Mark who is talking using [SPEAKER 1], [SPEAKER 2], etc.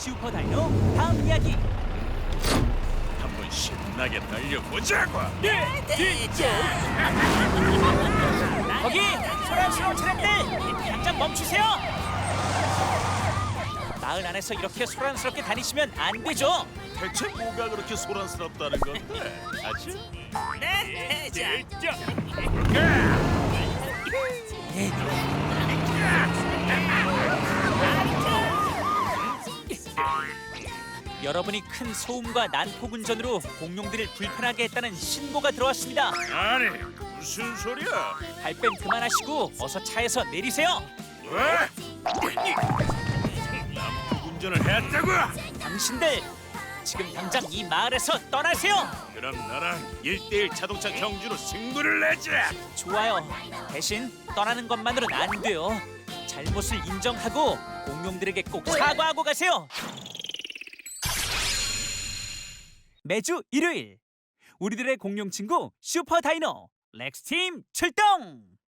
[SPEAKER 1] 슈퍼 다이노 다음 이야기.
[SPEAKER 2] 한번 신나게 달려보자고.
[SPEAKER 1] 거기 소란스러운 차량들 당장 멈추세요. 마을 안에서 이렇게 소란스럽게 다니시면 안 되죠.
[SPEAKER 2] 대체 뭐가 그렇게 소란스럽다는 건데? 아chứ?
[SPEAKER 1] 네, 대장. 여러분이 큰 소음과 난폭 운전으로 공룡들을 불편하게 했다는 신고가 들어왔습니다.
[SPEAKER 2] 아니 무슨 소리야?
[SPEAKER 1] 발뺌 그만하시고 어서 차에서 내리세요.
[SPEAKER 2] 왜? 남북 운전을 했다고?
[SPEAKER 1] 당신들 지금 당장 이 마을에서 떠나세요.
[SPEAKER 2] 그럼 나랑 1대1 자동차 경주로 승부를 내자.
[SPEAKER 1] 좋아요. 대신 떠나는 것만으로는 안 돼요. 잘못을 인정하고 공룡들에게 꼭 사과하고 가세요. 매주 일요일 우리들의 공룡 친구 슈퍼 다이노 렉스 팀 출동.